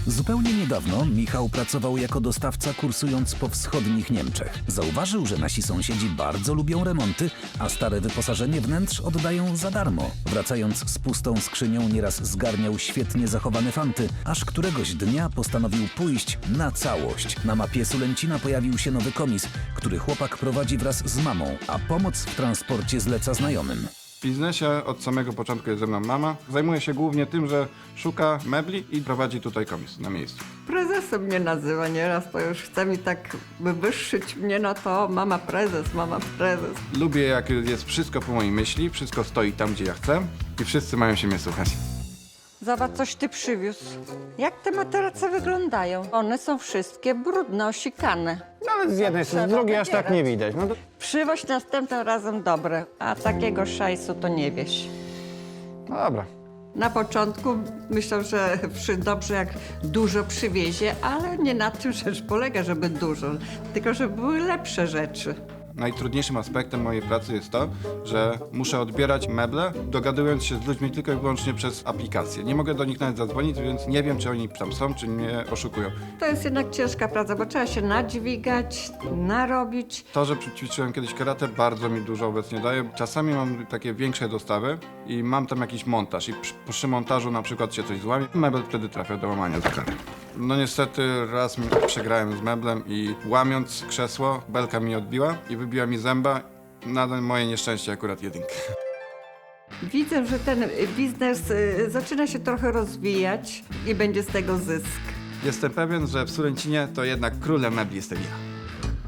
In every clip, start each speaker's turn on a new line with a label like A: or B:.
A: Zupełnie niedawno Michał pracował jako dostawca, kursując po wschodnich Niemczech. Zauważył, że nasi sąsiedzi bardzo lubią remonty, a stare wyposażenie wnętrz oddają za darmo. Wracając z pustą skrzynią, nieraz zgarniał świetnie zachowane fanty, aż któregoś dnia postanowił pójść na całość. Na mapie Sulęcina pojawił się nowy komis, który chłopak prowadzi wraz z mamą, a pomoc w transporcie zleca znajomym.
B: W biznesie od samego początku jest ze mną mama. Zajmuje się głównie tym, że szuka mebli i prowadzi tutaj komis na miejscu.
C: Prezesem mnie nazywa nieraz, to już chce mi tak wywyższyć mnie na to, mama prezes, mama prezes.
B: Lubię, jak jest wszystko po mojej myśli, wszystko stoi tam, gdzie ja chcę i wszyscy mają się mnie słuchać.
C: Zobacz, coś ty przywiózł. Jak te materace wyglądają? One są wszystkie brudne, osikane.
D: No ale z jednej strony, z drugiej aż tak nie widać. No to...
C: Przywoź następnym razem dobre, a takiego szajsu to nie wieś.
D: No dobra.
C: Na początku myślał, że dobrze jak dużo przywiezie, ale nie na tym rzecz polega, żeby dużo, tylko żeby były lepsze rzeczy.
B: Najtrudniejszym aspektem mojej pracy jest to, że muszę odbierać meble, dogadując się z ludźmi tylko i wyłącznie przez aplikację. Nie mogę do nich nawet zadzwonić, więc nie wiem, czy oni tam są, czy mnie oszukują.
C: To jest jednak ciężka praca, bo trzeba się nadźwigać, narobić.
B: To, że ćwiczyłem kiedyś karate, bardzo mi dużo obecnie daje. Czasami mam takie większe dostawy i mam tam jakiś montaż i przy montażu na przykład się coś złamie, mebel wtedy trafia do łamania za karę. No niestety raz przegrałem z meblem i łamiąc krzesło, belka mi odbiła i wybiła mi zęba. Na moje nieszczęście akurat jedynkę.
C: Widzę, że ten biznes zaczyna się trochę rozwijać i będzie z tego zysk.
B: Jestem pewien, że w Sulęcinie to jednak królem mebli jestem ja.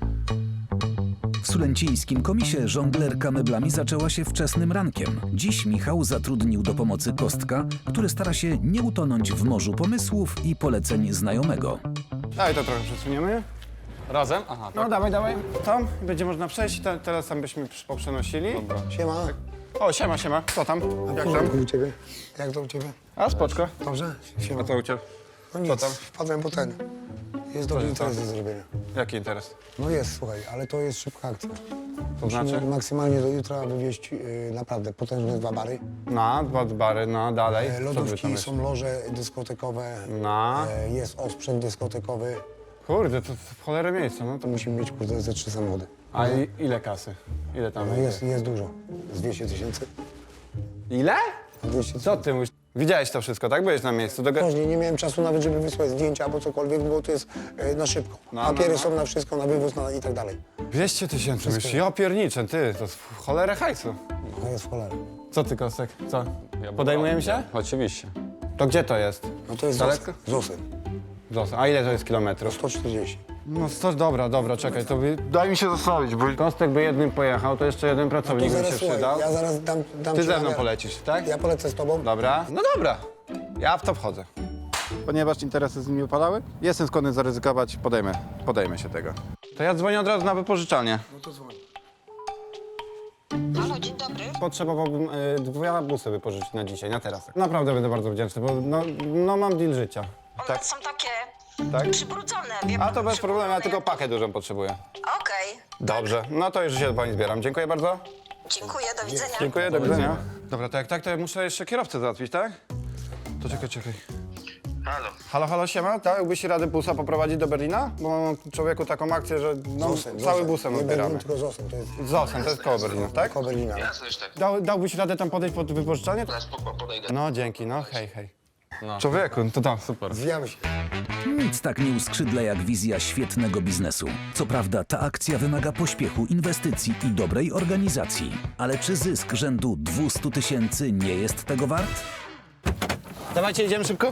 A: W sulęcińskim komisie żonglerka meblami zaczęła się wczesnym rankiem. Dziś Michał zatrudnił do pomocy Kostka, który stara się nie utonąć w morzu pomysłów i poleceń znajomego.
D: Daj to trochę przesuniemy.
E: Razem? Aha,
D: No dawaj, dawaj. Tam będzie można przejść, teraz tam byśmy poprzenosili.
F: Siema.
D: O, siema, siema. Co tam? Jak
F: Jak
D: tam?
F: to u ciebie? Jak to u ciebie?
D: A, spoczko.
F: Dobrze? Siema.
D: A co u ciebie?
F: No nic,
D: tam?
F: wpadłem po ten. Jest dobry
D: się
F: interes
D: stało?
F: do zrobienia.
D: Jaki interes?
F: No jest, słuchaj, ale to jest szybka akcja.
D: To znaczy?
F: Maksymalnie do jutra wywieźć naprawdę potężne 2 bary.
D: No, 2 bary, no dalej. Co wy tam
F: Lodówki,
D: jeszcze?
F: są loże dyskotekowe,
D: No.
F: jest osprzęt dyskotekowy.
D: Kurde, to w cholerę miejsca, no to...
F: To musimy mieć, kurde, ze 3 samochody.
D: A ile kasy? Ile tam
F: No jest dużo. Z 200 000.
D: Ile?
F: 200
D: Co
F: 000.
D: ty mówisz? Widziałeś to wszystko, tak? Byłeś na miejscu.
F: Później nie miałem czasu nawet, żeby wysłać zdjęcia albo cokolwiek, bo to jest na szybko.
D: No,
F: Papiery
D: no.
F: są na wszystko, na wywóz i tak dalej.
D: 200 000, myślisz? Ja pierniczę, ty, to jest w cholerę hajsu.
F: No jest w cholerę.
D: Co ty, Kostek? Co? Podejmujemy się?
E: Oczywiście.
D: To gdzie to jest?
F: No to jest
D: Daleko?
F: Zosen.
D: Zostań. A ile to jest kilometrów?
F: 140.
D: No dobra, czekaj, to daj mi się zostawić, bo Kostek by jednym pojechał, to jeszcze jeden pracownik by się
F: Zaraz, słuchaj,
D: przydał.
F: ja zaraz dam
D: Ty
F: ci
D: ze mną
F: namiar.
D: polecisz, tak?
F: Ja polecę z tobą.
D: Dobra. No dobra, ja w to wchodzę.
B: Ponieważ interesy z nimi upadały, jestem skłonny zaryzykować, podejmę się tego.
D: To ja dzwonię od razu na wypożyczalnię.
F: No to dzwoń.
G: Halo, dzień dobry.
D: Potrzebowałbym 2 busy wypożyczyć na dzisiaj, na teraz. Naprawdę będę bardzo wdzięczny, bo no mam deal życia.
G: One są takie
D: Tak?
G: przybrudzone, wie
D: A
G: pan,
D: to bez problemu, ja
G: przybrudzone
D: tylko
G: jak-
D: pakę dużą potrzebuję.
G: Okej,
D: Dobrze, no to już się do pani zbieram. Dziękuję bardzo.
G: dziękuję, do widzenia.
D: Dziękuję, do widzenia. Dobra, to jak tak, to ja muszę jeszcze kierowcę załatwić, tak? To czekaj. Halo, siema, tak? Jakbyś radę busa poprowadzić do Berlina? Bo mam człowieku taką akcję, że no, cały busem
F: Nie
D: odbieramy.
F: Berlin, tylko Zosen. To jest
D: Zosen, to jest koło Berlina, tak?
F: koło Berlina.
D: Dałbyś radę tam podejść pod wypożyczalnię?
G: Podejdę.
D: No, dzięki, no, hej. Człowieku, to tam, super.
F: Zwijamy się.
A: Nic tak nie uskrzydla jak wizja świetnego biznesu. Co prawda ta akcja wymaga pośpiechu, inwestycji i dobrej organizacji. Ale czy zysk rzędu 200 000 nie jest tego wart?
D: Dawajcie, idziemy szybko.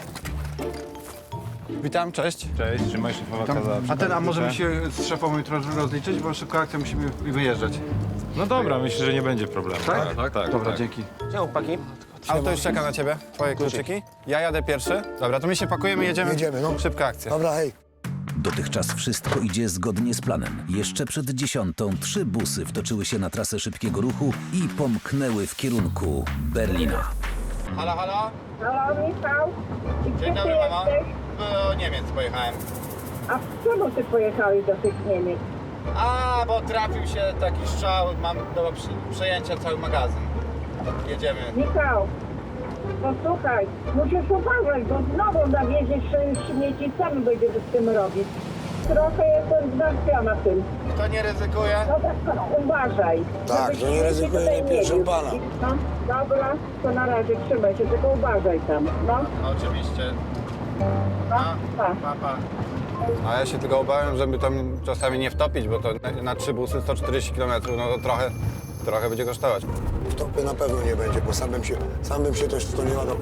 D: Witam, cześć.
B: Cześć, trzymaj szefowa kazała. A możemy się z szefową jutro rozliczyć, bo szybko akcja musimy wyjeżdżać.
H: No dobra, myślę, że nie będzie problemu.
B: Tak? Dobra, dzięki.
D: Gdzie chłopaki? Auto już czeka na ciebie, twoje kluczyki. Ja jadę pierwszy. Dobra, to my się pakujemy, jedziemy.
F: Jedziemy, no.
D: Szybka akcja.
F: Dobra, hej.
A: Dotychczas wszystko idzie zgodnie z planem. Jeszcze przed 10 3 busy wtoczyły się na trasę szybkiego ruchu i pomknęły w kierunku Berlina.
D: Halo?
I: Halo, Michał. I
D: Dzień
I: gdzie
D: dobry,
I: ty
D: mama.
I: jesteś?
D: Do Niemiec pojechałem.
I: A czemu ty pojechałeś do tych Niemiec?
D: A, bo trafił się taki strzał, mam do przejęcia cały magazyn. Jedziemy.
I: Michał, Posłuchaj, musisz uważać, bo znowu nawieziesz śmieci, sam będziesz z tym robić. Trochę jestem zmartwiona tym.
D: To nie ryzykuje?
I: No tak, uważaj.
F: Tak,
I: żebyś
F: to nie
I: śmieci
F: ryzykuje,
I: tutaj
F: nie pierwszy
I: wiózł.
F: pana.
I: No, dobra, to na razie trzymaj się, tylko uważaj tam, no.
D: Oczywiście.
I: No, tak.
D: Papa. A ja się tylko obawiam, żeby tam czasami nie wtopić, bo to na 3 busy 140 km, no to trochę będzie kosztować.
F: W topie na pewno nie będzie, bo sam bym się też w to nie ładował.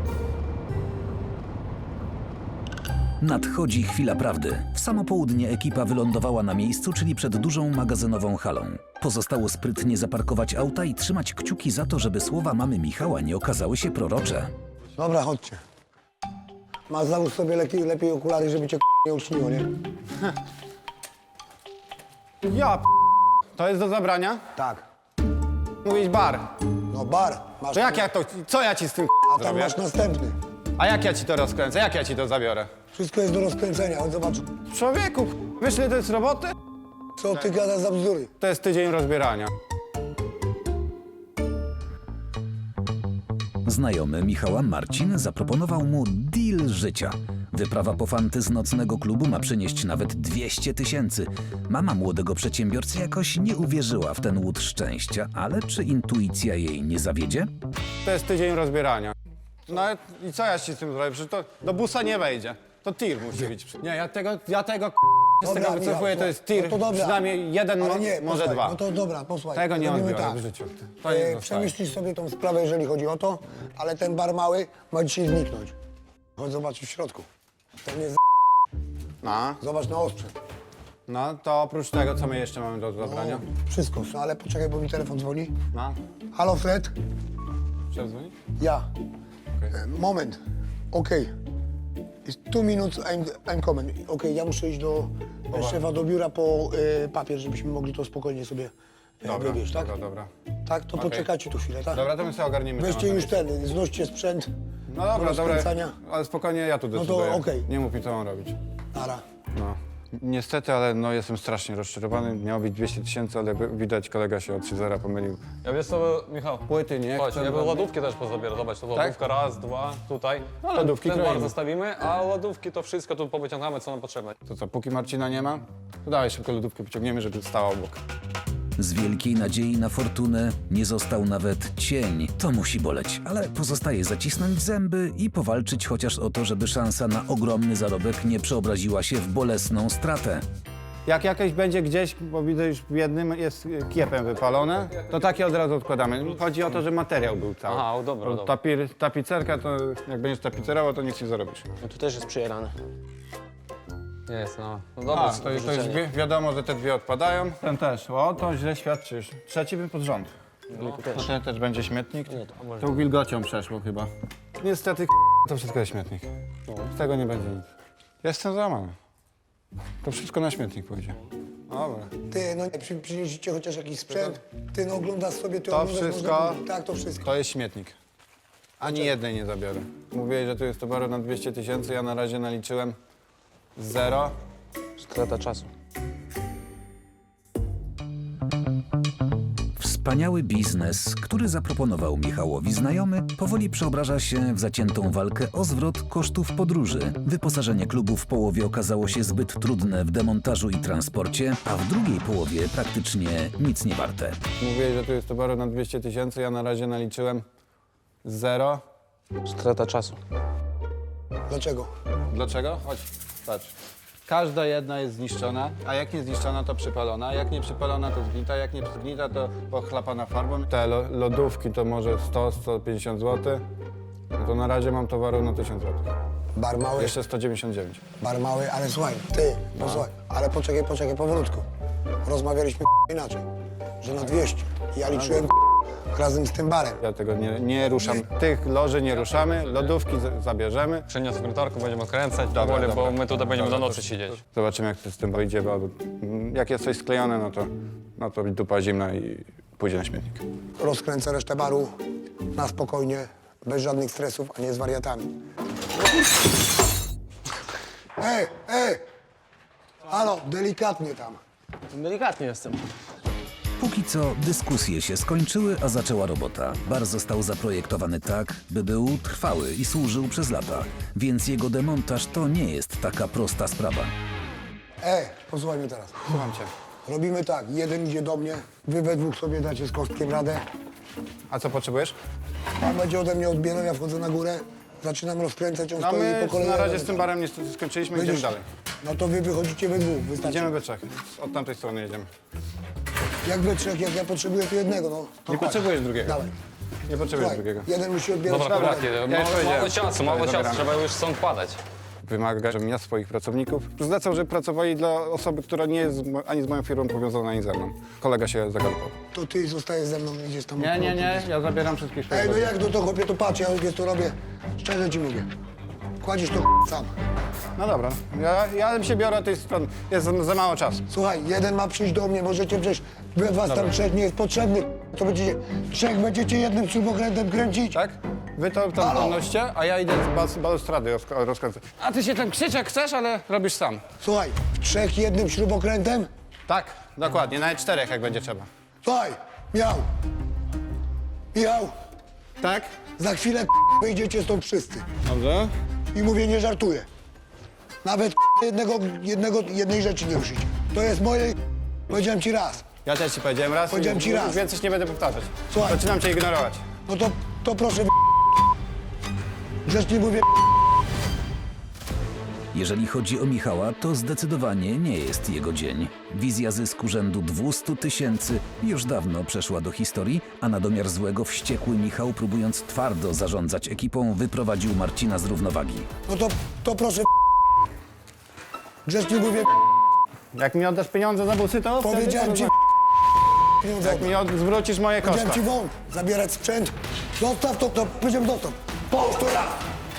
A: Nadchodzi chwila prawdy. W samo południe ekipa wylądowała na miejscu, czyli przed dużą magazynową halą. Pozostało sprytnie zaparkować auta i trzymać kciuki za to, żeby słowa mamy Michała nie okazały się prorocze.
F: Dobra, chodźcie. Załóż sobie lepiej okulary, żeby cię nie uczniło, nie?
D: To jest do zabrania?
F: Tak.
D: Mówić bar.
F: No bar, masz...
D: To co ja ci z tym
F: A tam
D: zrobię?
F: masz następny.
D: A jak ja ci to rozkręcę? Jak ja ci to zabiorę?
F: Wszystko jest do rozkręcenia, chodź zobacz.
D: Człowieku, wiesz ile to jest roboty?
F: Co ty gadasz za bzdury?
D: To jest tydzień rozbierania.
A: Znajomy Michała Marcin zaproponował mu deal życia. Wyprawa po fanty z nocnego klubu ma przynieść nawet 200 000. Mama młodego przedsiębiorcy jakoś nie uwierzyła w ten łód szczęścia, ale czy intuicja jej nie zawiedzie?
D: To jest tydzień rozbierania. No i co ja ci z tym zrobię? Przecież to do busa nie wejdzie. To tir musi być. Nie, ja tego z tego wycofuję, to jest tir.
F: No to dobra.
D: Przynajmniej jeden,
F: Ale nie,
D: może
F: posłuchaj,
D: dwa.
F: No to dobra, posłuchaj.
D: Tego nie
F: robimy
D: odbiorę
F: tak.
D: w życiu. To nie zostaje.
F: Przemyślisz sobie tą sprawę, jeżeli chodzi o to, ale ten bar mały ma dzisiaj zniknąć. Chodź zobaczyć w środku. Ten jest
D: No,
F: zobacz na osprzęt.
D: no, to oprócz tego, co my jeszcze mamy do zabrania?
F: Wszystko, no, ale poczekaj, bo mi telefon dzwoni.
D: No,
F: Halo Fred?
D: przedzwoni?
F: Ja. Moment. Okej. It's 2 minutes, I'm coming. Okej, ja muszę iść do szefa do biura po papier, żebyśmy mogli to spokojnie sobie wywieźć, tak?
D: Dobra.
F: Tak, to poczekajcie tu chwilę, tak?
D: Dobra, to my sobie ogarniemy
F: Weźcie
D: temat.
F: już ten, znoście sprzęt.
D: No
F: do
D: dobra,
F: rozkręcania.
D: ale spokojnie, ja tu
F: to
D: decyduję.
F: okej.
D: Nie mów mi, co mam robić.
F: Nara.
D: No. Niestety, ale no, jestem strasznie rozczarowany. Miało być 200 000, ale widać, kolega się od 3-0 pomylił.
H: Ja wiesz co, Michał?
D: Płyty nie
H: Chodź,
D: chcę.
H: ja bym lodówki też pozabierał. Zobacz, to lodówka, raz, dwa, tutaj. No, ale
D: Lodówki
H: ten bar
D: kroimy.
H: zostawimy, a lodówki to wszystko tu powyciągamy, co nam potrzebne.
D: To co, póki Marcina nie ma, to dawaj szybko lodówkę pociągniemy, żeby stała obok.
A: Z wielkiej nadziei na fortunę nie został nawet cień. To musi boleć, ale pozostaje zacisnąć zęby i powalczyć chociaż o to, żeby szansa na ogromny zarobek nie przeobraziła się w bolesną stratę.
D: Jak jakieś będzie gdzieś, bo widzę już w jednym jest kiepem wypalone, to takie od razu odkładamy. Chodzi o to, że materiał był cały.
H: Aha, dobra,
D: Bo
H: dobra.
D: Tapicerka, to jak będziesz tapicerował, to nic nie zarobisz.
E: No tu też jest przyjarane.
H: Jest, no. No dobra,
D: A, to jest wiadomo, że te dwie odpadają. Ten też. O, to źle świadczysz. Trzeci bym pod rząd. Ten też będzie śmietnik. To wilgocią przeszło chyba. Niestety to wszystko jest śmietnik. Z tego nie będzie nic. Jestem załamany. To wszystko na śmietnik pójdzie. Dobra.
F: Ty, no przynieśliście chociaż jakiś sprzęt. Ty, no oglądasz sobie, ty
D: To
F: oglądasz...
D: wszystko-
F: Można... Tak, to wszystko.
D: To jest śmietnik. Ani jednej nie zabiorę. Mówiłeś, że tu jest towaru na 200 000, ja na razie naliczyłem 0.
E: Strata czasu.
A: Wspaniały biznes, który zaproponował Michałowi znajomy, powoli przeobraża się w zaciętą walkę o zwrot kosztów podróży. Wyposażenie klubu w połowie okazało się zbyt trudne w demontażu i transporcie, a w drugiej połowie praktycznie nic nie warte.
D: Mówiłeś, że tu jest towaru na 200 000, ja na razie naliczyłem 0.
E: Strata czasu.
F: Dlaczego?
D: Dlaczego? Chodź, patrz. Każda jedna jest zniszczona, a jak nie zniszczona, to przypalona. Jak nie przypalona, to zgnita. Jak nie zgnita, to pochlapana farbą. Te lodówki to może 100-150 zł. No to na razie mam towaru na 1000 zł.
F: Bar mały,
D: Jeszcze 199.
F: bar mały, ale słuchaj, ty, posłuchaj, ale poczekaj powolutku. Rozmawialiśmy inaczej, że na 200. Ja liczyłem razem z tym barem.
D: Ja tego nie ruszam. Tych loży nie ruszamy, lodówki zabierzemy.
H: Przyniosę wiertarkę, będziemy odkręcać
D: Dobra,
H: powoli, bo
D: dobra.
H: my tutaj będziemy
D: Dobra,
H: do nocy
D: to-
H: siedzieć.
D: Zobaczymy, jak to z tym wyjdzie, bo jak jest coś sklejone, no to dupa zimna i pójdzie na śmietnik.
F: Rozkręcę resztę baru na spokojnie, bez żadnych stresów, a nie z wariatami. Halo, delikatnie tam.
E: Delikatnie jestem.
A: Póki co dyskusje się skończyły, a zaczęła robota. Bar został zaprojektowany tak, by był trwały i służył przez lata, więc jego demontaż to nie jest taka prosta sprawa.
F: Posłuchaj mnie teraz.
D: Słucham cię.
F: Robimy tak, jeden idzie do mnie, wy we dwóch sobie dacie z Kostkiem radę.
D: A co potrzebujesz?
F: Pan będzie ode mnie odbierał, ja wchodzę na górę, zaczynam rozkręcać, on
D: No
F: stoi
D: my
F: po kolei.
D: na razie z tym barem niestety skończyliśmy, idziemy dalej.
F: No to wy wychodzicie we dwóch, wystarczy.
D: Idziemy we trzech. Od tamtej strony jedziemy.
F: Jak we trzech, jak ja potrzebuję to jednego, no. To
D: Nie
F: chodź.
D: potrzebujesz drugiego.
F: Dawaj.
D: Nie potrzebujesz
F: Słuchaj,
D: drugiego.
F: jeden musi odbierać.
H: Dobra,
F: radę.
H: chłopaki,
D: już
H: mało
D: powiedziałem.
H: czasu, mało czasu,
D: Zabieramy.
H: trzeba już stąd padać.
D: Wymaga, żebym ja swoich pracowników zlecał, żeby pracowali dla osoby, która nie jest ani z moją firmą powiązana, ani ze mną. Kolega się zagalopował.
F: To ty zostajesz ze mną, idziesz tam.
D: Nie, ja zabieram wszystkich swoich
F: Ej, no
D: ludzi.
F: jak to chłopie, to patrz, ja wiesz, to robię. Szczerze ci mówię. Kładziesz to sam.
D: No dobra, ja się biorę tej strony. Jest za mało czasu.
F: Słuchaj, jeden ma przyjść do mnie, możecie przecież, wy was tam trzech nie jest potrzebny. To będziecie, trzech będziecie jednym śrubokrętem kręcić.
D: Tak? Wy to tam
F: Halo?
D: noście, a ja idę z balustrady rozkręcę. A ty się tam krzycz jak chcesz, ale robisz sam.
F: Słuchaj, w trzech jednym śrubokrętem.
D: Tak, dokładnie, nawet czterech jak będzie trzeba.
F: Słuchaj, Michał,
D: Tak?
F: za chwilę wyjdziecie stąd wszyscy.
D: Dobrze.
F: I mówię, nie żartuję. Nawet jednej rzeczy nie ruszycie. To jest moje, powiedziałem ci raz.
D: Ja też ci powiedziałem raz.
F: Powiedziałem ci raz.
D: Więcej nie będę powtarzać.
F: Słuchaj.
D: Zaczynam cię ignorować.
F: No to proszę grzecznie mówię.
A: Jeżeli chodzi o Michała, to zdecydowanie nie jest jego dzień. Wizja zysku rzędu 200 000 już dawno przeszła do historii, a na domiar złego wściekły Michał, próbując twardo zarządzać ekipą, wyprowadził Marcina z równowagi.
F: No to proszę grzecznie mówię.
D: Jak mi oddasz pieniądze za busy, to wtedy
F: Powiedziałem ci pieniądze.
D: Jak mi zwrócisz moje koszta.
F: Powiedziałem ci wąt, zabierać sprzęt. Zostaw to powiedziałem zostaw. Połóż to raz.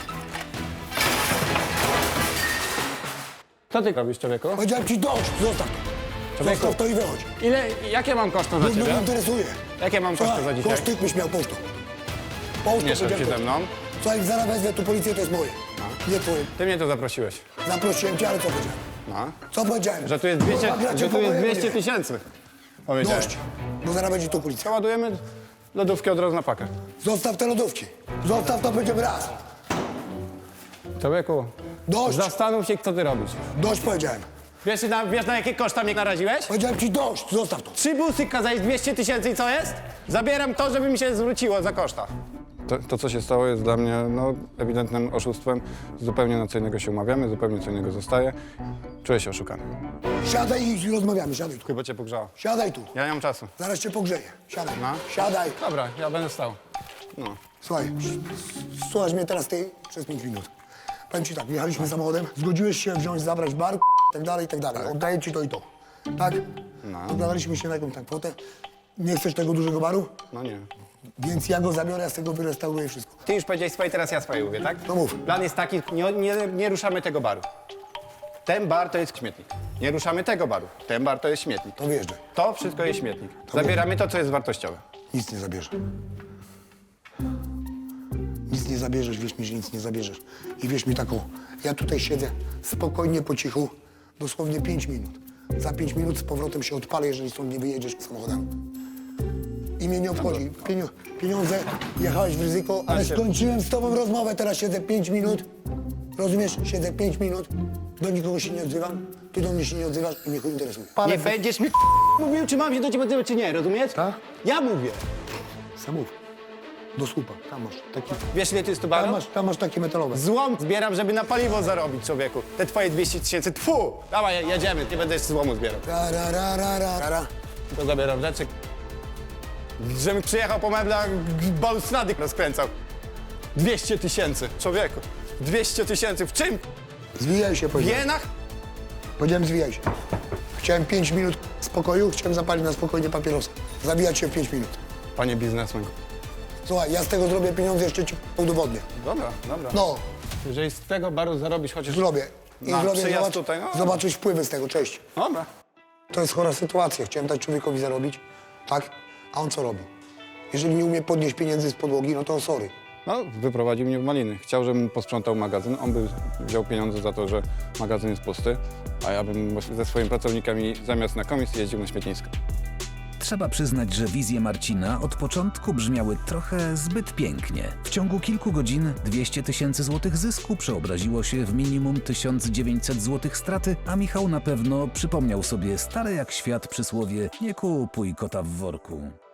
D: Co ty robisz, człowieku?
F: Powiedziałem ci dość, zostaw to.
D: Człowieku.
F: Zostaw to i wychodź.
D: Jakie mam koszta za
F: Już mnie
D: ciebie?
F: interesuje.
D: Jakie mam koszty za dzisiaj?
F: Koszty byś miał, połóż to. Połóż to,
D: Nie szedł się
F: powiedziałem.
D: ze mną.
F: Słuchaj, zaraz wezmę tu policję, to jest moje. Nie twoje.
D: Ty mnie tu zaprosiłeś.
F: Zaprosiłem cię, ale co powiedziałem?
D: No.
F: Co powiedziałem?
D: Że tu jest 200,
F: Zagracie
D: że tu jest
F: po
D: 200
F: mojemu,
D: 000.
F: nie?
D: Powiedziałem.
F: Dość, bo zaraz będzie tu policja.
D: Ładujemy lodówkę od razu na pakę.
F: Zostaw te lodówki. Zostaw to, będziemy raz.
D: Człowieku,
F: Dość,
D: zastanów się, co ty robisz.
F: dość powiedziałem.
D: Wiesz na jakie koszta mnie naraziłeś?
F: Powiedziałem ci dość, zostaw to.
D: 3 busy kazałeś 200 000 i co jest? Zabieram to, żeby mi się zwróciło za koszta. To, co się stało, jest dla mnie ewidentnym oszustwem. Zupełnie na co innego się umawiamy, zupełnie co innego zostaje. Czuję się oszukany.
F: Siadaj i rozmawiamy, siadaj tu.
D: Chyba cię pogrzało.
F: Siadaj tu.
D: Ja nie mam czasu.
F: Zaraz cię pogrzeję. Siadaj.
D: No.
F: Siadaj.
D: Dobra, ja będę stał.
F: Słuchaj, słuchasz mnie teraz ty przez 5 minut. Powiem ci tak, jechaliśmy samochodem, zgodziłeś się wziąć, zabrać bar, tak dalej, i tak dalej. Oddaję ci to i to. Tak? Dogadaliśmy się na jakąś tam kwotę. Nie chcesz tego dużego baru?
D: No nie.
F: Więc ja go zabiorę, ja z tego wyrestauruję wszystko.
D: Ty już powiedziałeś swoje, teraz ja swoje mówię, tak?
F: No mów.
D: Plan jest taki, nie ruszamy tego baru. Ten bar to jest śmietnik. Nie ruszamy tego baru. Ten bar to jest śmietnik.
F: To wjeżdżaj.
D: To wszystko jest śmietnik. Zabieramy to, co jest wartościowe.
F: Nic nie zabierze. Nic nie zabierzesz, wierz mi, że nic nie zabierzesz. I wierz mi taką, ja tutaj siedzę spokojnie, po cichu, dosłownie 5 minut. Za 5 minut z powrotem się odpalę, jeżeli stąd nie wyjedziesz samochodem. I mnie nie obchodzi. Pieniądze, jechałeś w ryzyko, ale skończyłem z tobą rozmowę, teraz siedzę 5 minut. Rozumiesz? Siedzę 5 minut, do nikogo się nie odzywam, ty do mnie się nie odzywasz i mnie chuj interesuje.
D: Nie będziesz mi mówił, czy mam się do ciebie odzywać, czy nie, rozumiesz?
F: Tak?
D: Ja mówię.
F: Sam mów. Do słupa, tam masz taki,
D: Wiesz, ile to jest tu baru?
F: tam masz takie metalowe.
D: Złom zbieram, żeby na paliwo zarobić, człowieku. Te twoje 200 000, tfu! Dawaj, jedziemy, nie będę jeszcze złomu zbierał.
F: Ra.
D: To zabieram rzeczy. Żebym przyjechał po meblach, balustrady rozkręcał. 200 000, człowieku. 200 000, w czym?
F: Zwijaj się,
D: W
F: powiedziałem.
D: jenach?
F: Powiedziałem, zwijaj się. Chciałem 5 minut spokoju, chciałem zapalić na spokojnie papierosa. Zawijać się w 5 minut.
D: Panie biznesmen.
F: Słuchaj, ja z tego zrobię pieniądze, jeszcze ci udowodnię.
D: Dobra.
F: No,
D: Jeżeli z tego baru zarobisz chociaż...
F: zrobię. I
D: Na
F: zrobię,
D: przyjazd
F: zobacz,
D: tutaj, no.
F: zobaczysz wpływy z tego, cześć.
D: Dobra.
F: To jest chora sytuacja, chciałem dać człowiekowi zarobić, tak? A on co robi? Jeżeli nie umie podnieść pieniędzy z podłogi, no to sorry.
D: No, wyprowadził mnie w maliny. Chciał, żebym posprzątał magazyn. On by wziął pieniądze za to, że magazyn jest pusty, a ja bym ze swoimi pracownikami zamiast na komisję jeździł na śmietnisko.
A: trzeba przyznać, że wizje Marcina od początku brzmiały trochę zbyt pięknie. W ciągu kilku godzin 200 000 złotych zysku przeobraziło się w minimum 1900 złotych straty, a Michał na pewno przypomniał sobie stare jak świat przysłowie: nie kupuj kota w worku.